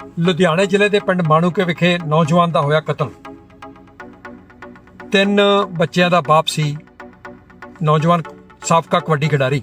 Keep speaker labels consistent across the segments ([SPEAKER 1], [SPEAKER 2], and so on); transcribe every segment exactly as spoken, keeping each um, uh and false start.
[SPEAKER 1] ਲੁਧਿਆਣੇ ਜ਼ਿਲ੍ਹੇ ਦੇ ਪਿੰਡ ਮਾਣੂਕੇ ਵਿਖੇ ਨੌਜਵਾਨ ਦਾ ਹੋਇਆ ਕਤਲ। ਤਿੰਨ ਬੱਚਿਆਂ ਦਾ ਬਾਪ ਸੀ ਨੌਜਵਾਨ, ਸਾਬਕਾ ਕਬੱਡੀ ਖਿਡਾਰੀ।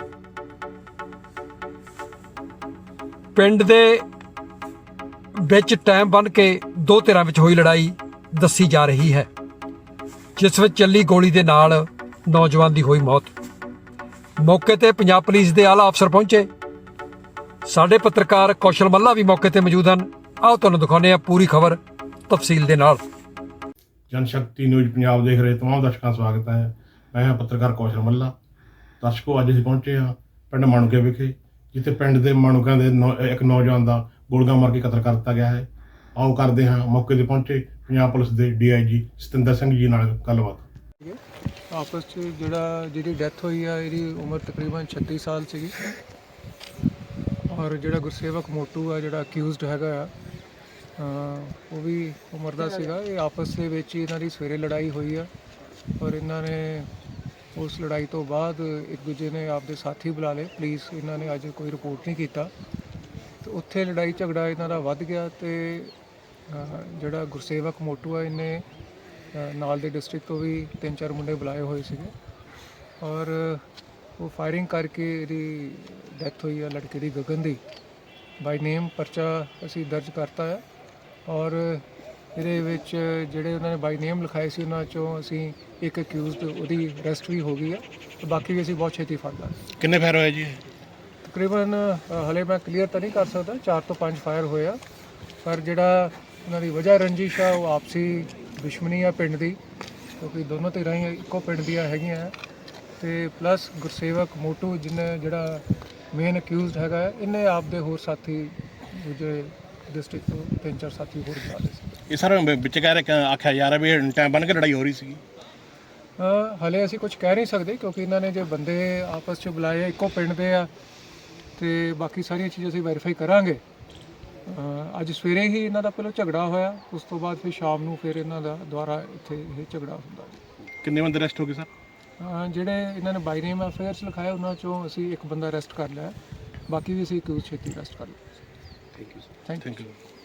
[SPEAKER 1] ਪਿੰਡ ਦੇ ਵਿੱਚ ਟਾਈਮ ਬੰਨ੍ਹ ਕੇ ਦੋ ਧਿਰਾਂ ਵਿੱਚ ਹੋਈ ਲੜਾਈ ਦੱਸੀ ਜਾ ਰਹੀ ਹੈ, ਜਿਸ ਵਿੱਚ ਚੱਲੀ ਗੋਲੀ ਦੇ ਨਾਲ ਨੌਜਵਾਨ ਦੀ ਹੋਈ ਮੌਤ। ਮੌਕੇ ਤੇ ਪੰਜਾਬ ਪੁਲਿਸ ਦੇ ਆਲਾ ਅਫਸਰ ਪਹੁੰਚੇ। ਸਾਡੇ ਪੱਤਰਕਾਰ ਕੌਸ਼ਲ ਮੱਲਾ ਵੀ ਮੌਕੇ ਤੇ ਮੌਜੂਦ ਹਨ। ਆਓ ਤੁਹਾਨੂੰ ਦਿਖਾਉਂਦੇ ਹਾਂ ਪੂਰੀ ਖਬਰ ਤਫਸੀਲ ਦੇ ਨਾਲ।
[SPEAKER 2] ਜਨਸ਼ਕਤੀ ਨਿਊਜ਼ ਪੰਜਾਬ ਦੇਖ ਰਹੇ ਤਮਾਮ ਦਰਸ਼ਕਾਂ ਦਾ ਸਵਾਗਤ ਹੈ। ਮੈਂ ਹਾਂ ਪੱਤਰਕਾਰ ਕੌਸ਼ਲ ਮੱਲਾ। ਦਰਸ਼ਕੋ, ਅੱਜ ਅਸੀਂ ਪਹੁੰਚੇ ਹਾਂ ਪਿੰਡ ਮਾਣੂਕੇ ਵਿਖੇ, ਜਿੱਥੇ ਪਿੰਡ ਦੇ ਮਾਣੂਕਿਆਂ ਦੇ ਇੱਕ ਨੌਜਵਾਨ ਦਾ ਗੋਲੀਆਂ ਮਾਰ ਕੇ ਕਤਲ ਕਰ ਦਿੱਤਾ ਗਿਆ ਹੈ। ਆਓ ਕਰਦੇ ਹਾਂ ਮੌਕੇ ਤੇ ਪਹੁੰਚੇ ਪੰਜਾਬ ਪੁਲਿਸ ਦੇ D I G Satinder Singh ਜੀ ਨਾਲ ਗੱਲਬਾਤ।
[SPEAKER 3] ਆਪਸ 'ਚ ਜਿਹੜਾ ਜਿਹਦੀ ਡੈਥ ਹੋਈ ਆ, ਇਹਦੀ ਉਮਰ ਤਕਰੀਬਨ ਛੱਤੀ ਸਾਲ ਸੀਗੀ। ਔਰ ਜਿਹੜਾ ਗੁਰਸੇਵਕ ਮੋਟੂ ਆ, ਜਿਹੜਾ ਅਕਿਊਜ਼ਡ ਹੈਗਾ ਆ, ਉਹ ਵੀ ਉਮਰ ਦਾ ਸੀਗਾ। ਇਹ ਆਪਸ ਦੇ ਵਿੱਚ ਹੀ ਇਹਨਾਂ ਦੀ ਸਵੇਰੇ ਲੜਾਈ ਹੋਈ ਆ, ਔਰ ਇਹਨਾਂ ਨੇ ਉਸ ਲੜਾਈ ਤੋਂ ਬਾਅਦ ਇੱਕ ਦੂਜੇ ਨੇ ਆਪਦੇ ਸਾਥੀ ਬੁਲਾ ਲਏ। ਪੁਲਿਸ ਇਹਨਾਂ ਨੇ ਅੱਜ ਕੋਈ ਰਿਪੋਰਟ ਨਹੀਂ ਕੀਤਾ, ਤੇ ਉੱਥੇ ਲੜਾਈ ਝਗੜਾ ਇਹਨਾਂ ਦਾ ਵੱਧ ਗਿਆ। ਤੇ ਜਿਹੜਾ ਗੁਰਸੇਵਕ ਮੋਟੂ ਆ, ਇਹਨੇ ਨਾਲ ਦੇ ਡਿਸਟ੍ਰਿਕਟ ਤੋਂ ਵੀ ਤਿੰਨ ਚਾਰ ਮੁੰਡੇ ਬੁਲਾਏ ਹੋਏ ਸੀਗੇ, ਔਰ ਉਹ ਫਾਇਰਿੰਗ ਕਰਕੇ ਇਹਦੀ ਡੈਥ ਹੋਈ ਆ, ਲੜਕੇ ਦੀ, ਗਗਨ ਦੀ। ਬਾਈ ਨੇਮ ਪਰਚਾ ਅਸੀਂ ਦਰਜ ਕਰਤਾ ਹੈ, ਔਰ ਇਹਦੇ ਵਿੱਚ ਜਿਹੜੇ ਉਹਨਾਂ ਨੇ ਬਾਈ ਨੇਮ ਲਿਖਾਏ ਸੀ, ਉਹਨਾਂ 'ਚੋਂ ਅਸੀਂ ਇੱਕ ਅਕਿਊਜ਼ਡ, ਉਹਦੀ ਅਰੈਸਟ ਵੀ ਹੋ ਗਈ ਹੈ, ਤੇ ਬਾਕੀ ਵੀ ਅਸੀਂ ਬਹੁਤ ਛੇਤੀ ਫੜ ਲਾਂਗੇ।
[SPEAKER 2] ਕਿੰਨੇ ਫਾਇਰ ਹੋਏ ਜੀ?
[SPEAKER 3] ਤਕਰੀਬਨ ਹਲੇ ਮੈਂ ਕਲੀਅਰ ਤਾਂ ਨਹੀਂ ਕਰ ਸਕਦਾ, ਚਾਰ ਤੋਂ ਪੰਜ ਫਾਇਰ ਹੋਏ ਆ, ਪਰ ਜਿਹੜਾ ਉਹਨਾਂ ਦੀ ਵਜ੍ਹਾ ਰੰਜਿਸ਼ ਆ, ਉਹ ਆਪਸੀ ਦੁਸ਼ਮਣੀ ਆ ਪਿੰਡ ਦੀ, ਕਿਉਂਕਿ ਦੋਨੋਂ ਧਿਰਾਂ ਹੀ ਇੱਕੋ ਪਿੰਡ ਦੀਆਂ ਹੈਗੀਆਂ। ਤੇ ਪਲੱਸ ਗੁਰਸੇਵਕ ਮੋਟੂ, ਜਿਹਨੇ ਜਿਹੜਾ ਮੇਨ ਅਕਿਊਜ਼ਡ ਹੈਗਾ, ਇਹਨੇ ਆਪਦੇ ਹੋਰ ਸਾਥੀ ਦੂਜੇ ਡਿਸਟ੍ਰਿਕਟ ਤੋਂ ਤਿੰਨ ਚਾਰ ਸਾਥੀ ਹੋਰ ਬੁਲਾ ਲਏ ਸੀ।
[SPEAKER 2] ਇਹ ਸਰ ਵਿੱਚ ਕਹਿ ਰਹੇ ਆਖਿਆ ਜਾ ਰਿਹਾ ਵੀ ਟਾਈਮ ਬਣ ਕੇ ਲੜਾਈ ਹੋ ਰਹੀ ਸੀਗੀ।
[SPEAKER 3] ਹਲੇ ਅਸੀਂ ਕੁਝ ਕਹਿ ਨਹੀਂ ਸਕਦੇ, ਕਿਉਂਕਿ ਇਹਨਾਂ ਨੇ ਜੇ ਬੰਦੇ ਆਪਸ 'ਚ ਬੁਲਾਏ, ਇੱਕੋ ਪਿੰਡ ਦੇ ਆ, ਤੇ ਬਾਕੀ ਸਾਰੀਆਂ ਚੀਜ਼ਾਂ ਅਸੀਂ ਵੈਰੀਫਾਈ ਕਰਾਂਗੇ। ਅੱਜ ਸਵੇਰੇ ਹੀ ਇਹਨਾਂ ਦਾ ਪਹਿਲਾਂ ਝਗੜਾ ਹੋਇਆ, ਉਸ ਤੋਂ ਬਾਅਦ ਫਿਰ ਸ਼ਾਮ ਨੂੰ ਫਿਰ ਇਹਨਾਂ ਦਾ ਦੁਬਾਰਾ ਇੱਥੇ ਇਹ ਝਗੜਾ ਹੁੰਦਾ।
[SPEAKER 2] ਕਿੰਨੇ ਬੰਦੇ ਅਰੈਸਟ ਹੋ ਗਏ ਸਰ?
[SPEAKER 3] ਜਿਹੜੇ ਇਹਨਾਂ ਨੇ ਬਾਈ ਨੇਮ ਅਫੇਅਰਸ ਲਿਖਾਇਆ, ਉਹਨਾਂ 'ਚੋਂ ਅਸੀਂ ਇੱਕ ਬੰਦਾ ਅਰੈਸਟ ਕਰ ਲਿਆ, ਬਾਕੀ ਵੀ ਅਸੀਂ ਕਿਉਂ ਛੇਤੀ ਅਰੈਸਟ ਕਰ ਲਿਆ।
[SPEAKER 2] Thank you sir.
[SPEAKER 3] Thank you.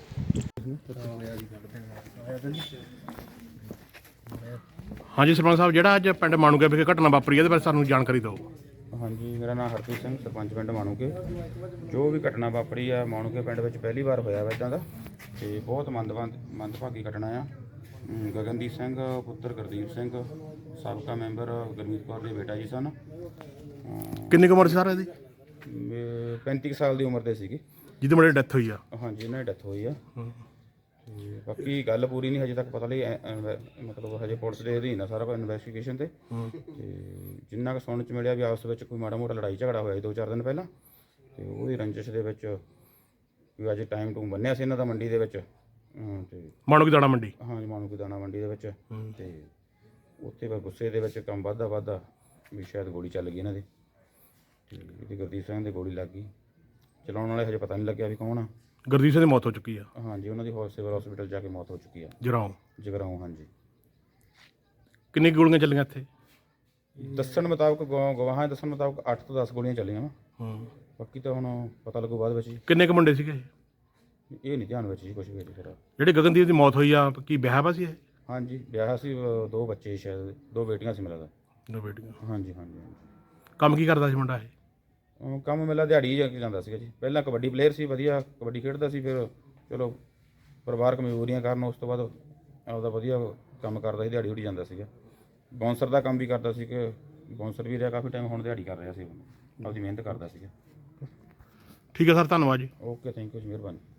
[SPEAKER 2] ਹਾਂਜੀ ਸਰਪੰਚ ਸਾਹਿਬ, ਜਿਹੜਾ ਅੱਜ ਪਿੰਡ ਮਾਣੂਕੇ ਵਿਖੇ ਘਟਨਾ ਵਾਪਰੀ, ਇਹਦੇ ਬਾਰੇ ਸਾਨੂੰ ਜਾਣਕਾਰੀ ਦਿਓ।
[SPEAKER 4] ਹਾਂਜੀ, ਮੇਰਾ ਨਾਮ ਹਰਪ੍ਰੀਤ ਸਿੰਘ, ਸਰਪੰਚ ਪਿੰਡ ਮਾਣੂਕੇ। ਜੋ ਵੀ ਘਟਨਾ ਵਾਪਰੀ ਆ ਮਾਣੂਕੇ ਪਿੰਡ ਵਿੱਚ ਪਹਿਲੀ ਵਾਰ ਹੋਇਆ ਵਾ ਇੱਦਾਂ ਦਾ, ਤੇ ਬਹੁਤ ਮੰਦਵੰਦ ਮੰਦਭਾਗੀ ਘਟਨਾ ਆ। ਗਗਨਦੀਪ ਸਿੰਘ ਪੁੱਤਰ ਗੁਰਦੀਪ ਸਿੰਘ, ਸਾਬਕਾ ਮੈਂਬਰ ਗੁਰਮੀਤ ਕੌਰ ਦੇ ਬੇਟਾ ਜੀ ਸਨ।
[SPEAKER 2] ਕਿੰਨੀ ਕੁ ਉਮਰ ਸੀ ਸਰ ਇਹਦੀ?
[SPEAKER 4] ਪੈਂਤੀ ਕੁ ਸਾਲ ਦੀ ਉਮਰ ਦੇ ਸੀਗੇ,
[SPEAKER 2] ਜਿਹਦੇ ਮੁੰਡੇ ਦੀ ਡੈਥ ਹੋਈ ਆ।
[SPEAKER 4] ਹਾਂਜੀ, ਇਹਨਾਂ ਦੀ ਡੈਥ ਹੋਈ ਆ। ਤੇ ਬਾਕੀ ਗੱਲ ਪੂਰੀ ਨਹੀਂ ਹਜੇ ਤੱਕ ਪਤਾ ਲਈ, ਮਤਲਬ ਹਜੇ ਪੁਲਿਸ ਦੇ ਅਧੀਨ ਆ ਸਾਰਾ ਕੁਝ ਇਨਵੈਸਟੀਗੇਸ਼ਨ ਤੇ। ਤੇ ਜਿੰਨਾ ਕੁ ਸੁਣਨ 'ਚ ਮਿਲਿਆ ਵੀ ਆਪਸ ਵਿੱਚ ਕੋਈ ਮਾੜਾ ਮੋਟਾ ਲੜਾਈ ਝਗੜਾ ਹੋਇਆ ਸੀ ਦੋ ਚਾਰ ਦਿਨ ਪਹਿਲਾਂ, ਤੇ ਉਹਦੀ ਰੰਜਿਸ਼ ਦੇ ਵਿੱਚ ਵੀ ਅੱਜ ਟਾਈਮ ਟੂਮ ਬੰਨਿਆ ਸੀ ਇਹਨਾਂ ਦਾ ਮੰਡੀ ਦੇ ਵਿੱਚ। ਤੇ
[SPEAKER 2] ਮਾਣੂਕੇ ਦਾਣਾ ਮੰਡੀ?
[SPEAKER 4] ਹਾਂਜੀ, ਮਾਣੂਕੇ ਦਾਣਾ ਮੰਡੀ ਦੇ ਵਿੱਚ। ਤੇ ਉੱਥੇ ਫਿਰ ਗੁੱਸੇ ਦੇ ਵਿੱਚ ਕੰਮ ਵੱਧਦਾ ਵੱਧਦਾ ਵੀ ਸ਼ਾਇਦ ਗੋਲੀ ਚੱਲ ਗਈ ਇਹਨਾਂ ਦੀ, ਤੇ ਇਹਦੀ ਗੁਰਦੀਪ ਸਿੰਘ ਦੀ ਗੋਲੀ ਲੱਗ ਗਈ। ਚਲਾਉਣ ਵਾਲੇ ਹਜੇ ਪਤਾ ਨਹੀਂ ਲੱਗਿਆ ਵੀ ਕੌਣ ਆ।
[SPEAKER 2] ਗੁਰਦੀਪ ਸਿੰਘ ਦੀ ਮੌਤ ਹੋ ਚੁੱਕੀ ਆ?
[SPEAKER 4] ਹਾਂਜੀ, ਉਹਨਾਂ ਦੀ ਸਿਵਲ ਹਸਪੀਟਲ ਜਾ ਕੇ ਮੌਤ ਹੋ ਚੁੱਕੀ ਆ,
[SPEAKER 2] ਜਗਰਾਉਂ।
[SPEAKER 4] ਜਗਰਾਉਂ, ਹਾਂਜੀ।
[SPEAKER 2] ਕਿੰਨੀ ਗੋਲੀਆਂ ਚੱਲੀਆਂ ਇੱਥੇ?
[SPEAKER 4] ਦੱਸਣ ਮੁਤਾਬਕ, ਗਵਾਹਾਂ ਦੇ ਦੱਸਣ ਮੁਤਾਬਕ ਅੱਠ ਤੋਂ ਦਸ ਗੋਲੀਆਂ ਚੱਲੀਆਂ ਵਾ।
[SPEAKER 2] ਹੂੰ,
[SPEAKER 4] ਬਾਕੀ ਤਾਂ ਹੁਣ ਪਤਾ ਲੱਗੂ ਬਾਅਦ ਵਿੱਚ ਜੀ।
[SPEAKER 2] ਕਿੰਨੇ ਕੁ ਮੁੰਡੇ ਸੀਗੇ?
[SPEAKER 4] ਇਹ ਨਹੀਂ ਧਿਆਨ ਵਿੱਚ ਜੀ ਕੁਛ ਵੀ ਫਿਰ।
[SPEAKER 2] ਜਿਹੜੇ ਗਗਨਦੀਪ ਦੀ ਮੌਤ ਹੋਈ ਆ, ਕੀ ਵਿਆਹ ਵਾ ਸੀ ਇਹ?
[SPEAKER 4] ਹਾਂਜੀ, ਵਿਆਹ ਸੀ, ਦੋ ਬੱਚੇ ਸ਼ਾਇਦ, ਦੋ ਬੇਟੀਆਂ ਸੀ ਮਿਲਦਾ।
[SPEAKER 2] ਦੋ ਬੇਟੀਆਂ?
[SPEAKER 4] ਹਾਂਜੀ ਹਾਂਜੀ।
[SPEAKER 2] ਕੰਮ ਕੀ ਕਰਦਾ ਸੀ ਮੁੰਡਾ ਇਹ?
[SPEAKER 4] ਕੰਮ ਮਿਲਾ ਦਿਹਾੜੀ ਜਾ ਕੇ ਜਾਂਦਾ ਸੀਗਾ ਜੀ। ਪਹਿਲਾਂ ਕਬੱਡੀ ਪਲੇਅਰ ਸੀ, ਵਧੀਆ ਕਬੱਡੀ ਖੇਡਦਾ ਸੀ, ਫਿਰ ਚਲੋ ਪਰਿਵਾਰਕ ਮਜਬੂਰੀਆਂ ਕਾਰਨ ਉਸ ਤੋਂ ਬਾਅਦ ਆਪਦਾ ਵਧੀਆ ਕੰਮ ਕਰਦਾ ਸੀ, ਦਿਹਾੜੀ ਉੜੀ ਜਾਂਦਾ ਸੀਗਾ। ਬਾਉਂਸਰ ਦਾ ਕੰਮ ਵੀ ਕਰਦਾ ਸੀ, ਕਿ ਬਾਉਂਸਰ ਵੀ ਰਿਹਾ ਕਾਫੀ ਟਾਈਮ, ਹੁਣ ਦਿਹਾੜੀ ਕਰ ਰਿਹਾ ਸੀ, ਆਪਦੀ ਮਿਹਨਤ ਕਰਦਾ ਸੀਗਾ।
[SPEAKER 2] ਠੀਕ ਹੈ ਸਰ, ਧੰਨਵਾਦ ਜੀ।
[SPEAKER 4] ਓਕੇ, ਥੈਂਕ ਯੂ ਜੀ, ਮਿਹਰਬਾਨੀ।